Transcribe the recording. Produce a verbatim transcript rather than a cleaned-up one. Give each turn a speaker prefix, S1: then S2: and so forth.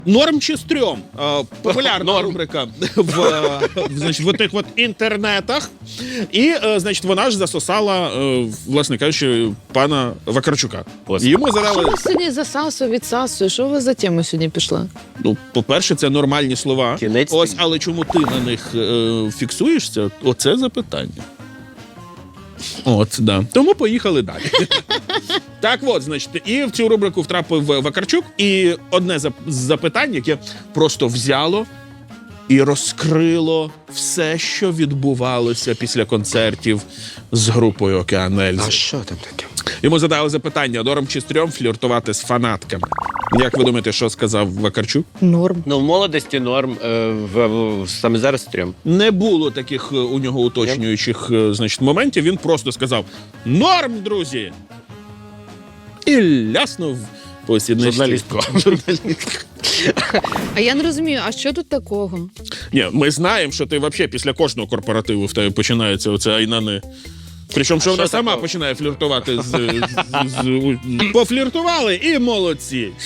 S1: Норм чи стрьом? Е, Популярна рубрика в, е, значить, в тих от інтернетах. І, е, значить, вона ж засосала, е, власне кажучи, пана Вакарчука.
S2: Ось.
S1: І Йому
S3: Що
S1: задали,
S3: ви сьогодні засасує, відсасує? Що ви за тему сьогодні пішла?
S1: ну, по-перше, це нормальні слова.
S2: Кінець
S1: Ось,
S2: світ.
S1: але чому ти на них е, фіксуєшся? Оце запитання. От, да. Тому поїхали далі. Так от, значить, і в цю рубрику втрапив Вакарчук, і одне зап- з запитань, яке просто взяло і розкрило все, що відбувалося після концертів з групою «Океан Ельзи».
S2: А що там таке?
S1: Йому задали запитання, норм чи стрьом фліртувати з фанатками. Як ви думаєте, що сказав Вакарчук?
S3: Норм.
S2: Ну, в молодості норм, е, в, в, саме зараз стрьом.
S1: Не було таких е, у нього уточнюючих е, значить, моментів. Він просто сказав «Норм, друзі!» І ляснув по сідничці.
S2: Журналістку.
S3: А я не розумію, а що тут такого?
S1: Ні, ми знаємо, що ти взагалі після кожного корпоративу в тебе починається оце айнани. Причому, що вона
S2: що
S1: сама
S2: такого?
S1: починає фліртувати з, з, з, з... Пофліртували і молодці.